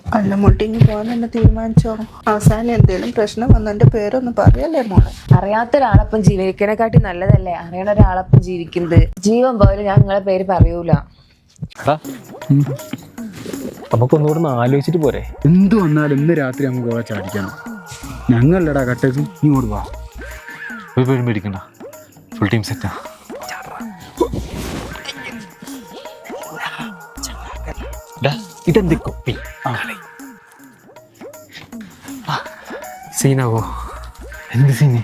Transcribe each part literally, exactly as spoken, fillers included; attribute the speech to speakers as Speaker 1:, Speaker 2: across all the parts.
Speaker 1: അല്ല മുട്ടിങ്ങി പോകാൻ തന്നെ തീരുമാനിച്ചോ? അവസാനം എന്തേലും പ്രശ്നം വന്ന എന്റെ പേരൊന്നും പറയല്ലേ മോളെ.
Speaker 2: അറിയാത്ത ഒരാളൊപ്പം ജീവിക്കണേക്കാട്ടി നല്ലതല്ലേ അറിയണ ഒരാളൊപ്പം ജീവിക്കുന്നത്. ജീവൻ പോയാലും ഞാൻ നിങ്ങളെ പേര് പറയൂല.
Speaker 3: നമുക്കൊന്നുകൂടെ ഒന്ന് ആലോചിച്ചിട്ട് പോരെ?
Speaker 4: എന്ത് വന്നാലും ഇന്ന് രാത്രി നമുക്ക് പോകാൻ ചാടിക്കണം. ഞങ്ങളല്ലടാ കട്ടേക്ക്, നീ ഇങ്ങോട്ട് വാ.
Speaker 3: ഒരു പേരും പേടിക്കണ്ട, ഫുൾ ടീം സെറ്റാ. ഇതെന്ത് കൊപ്പി സീനാവോ? എന്ത് സീന്?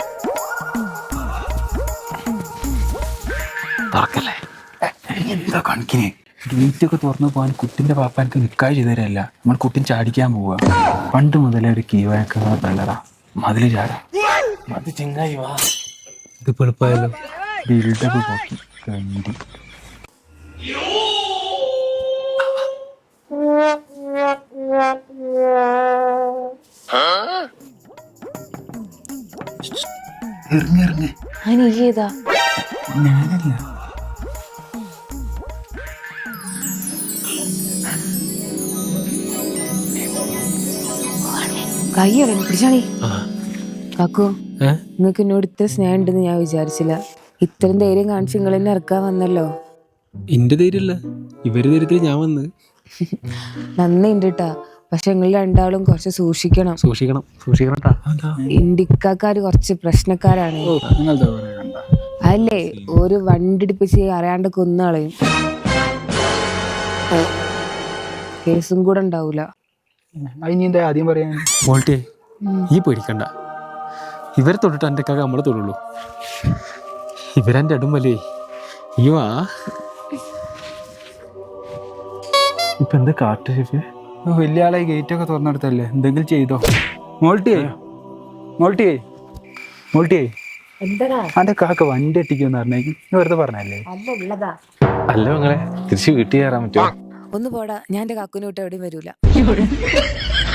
Speaker 3: തുറക്കല്ലേ?
Speaker 4: എന്താ കണക്കിന് ഗേറ്റൊക്കെ തുറന്നു പോകാൻ കുട്ടിന്റെ പാപ്പ എനിക്ക് നിൽക്കാതെ ചെയ്തരല്ല. നമ്മൾ കുട്ടിൻ ചാടിക്കാൻ പോവുക. പണ്ട് മുതലേ ഒരു കീവഴക്കുന്ന പിള്ളറാ മതില് ചാടാ.
Speaker 3: അത് ചെങ്ങായി വാ, ഇത് എളുപ്പമായല്ലോ.
Speaker 4: ബിൽഡപ്പ് പോക്കി കണ്ടി. ഇറങ്ങിറങ്ങ്.
Speaker 2: അതിന് ഏതാ?
Speaker 4: ഞാനല്ല.
Speaker 2: കയ്യോടെ പിടിച്ചാണി. കാക്കു, നിങ്ങക്ക് എന്നോട് ഇത്ര സ്നേഹം ഉണ്ടെന്ന് ഞാൻ വിചാരിച്ചില്ല. ഇത്രയും ധൈര്യം കാണിച്ച് നിങ്ങൾ എന്നെ ഇറക്കാൻ വന്നല്ലോ.
Speaker 3: എന്റെ ധൈര്യമല്ല, ഇവര് ധൈര്യത്തിൽ ഞാൻ വന്ന്.
Speaker 2: നന്ദി ഉണ്ട് കേട്ടാ. പക്ഷെ നിങ്ങൾ രണ്ടാളും കുറച്ച് സൂക്ഷിക്കണം.
Speaker 3: സൂക്ഷിക്കണം സൂക്ഷിക്കണം.
Speaker 2: ഇന്ത്യക്കാര് കുറച്ച് പ്രശ്നക്കാരാണ്.
Speaker 4: നിങ്ങളുടെ കണ്ട
Speaker 2: അല്ലേ ഒരു വണ്ടി ഇടിപ്പിച്ച് അറിയാണ്ട് കൊന്നാളെയും കേസും കൂടെ ഉണ്ടാവൂല.
Speaker 4: അതിനി എന്താ ആദ്യം പറയാൻ?
Speaker 3: മോൾട്ടിയെ ഈ പേടിക്കണ്ട, ഇവരെ തൊട്ടിട്ട് എൻ്റെ കാക്ക നമ്മളെ തൊടുള്ളൂ. ഇവരെൻ്റെ അടുമ്പല്ലേ. ഈ വാ.
Speaker 4: ഇപ്പൊ എന്താ കാട്ട് ഷെഫേ? വലിയ ആളെ ഗേറ്റൊക്കെ തുറന്നെടുത്തല്ലേ, എന്തെങ്കിലും ചെയ്തോ? മോൾട്ടിയേ മോൾട്ടിയേ മോൾട്ടിയേ
Speaker 2: എന്താ
Speaker 4: അന്റെ കാക്ക വണ്ടി എട്ടിക്കുമെന്ന് പറഞ്ഞേക്ക്. വെറുതെ പറഞ്ഞല്ലേ?
Speaker 3: അല്ല മങ്ങളെ, തിരിച്ച് വീട്ടിൽ കയറാൻ പറ്റുമോ?
Speaker 2: ഒന്ന് പോടാ, ഞാൻ എന്റെ കാക്കുനെ വിട്ട് എവിടെയും വരൂല.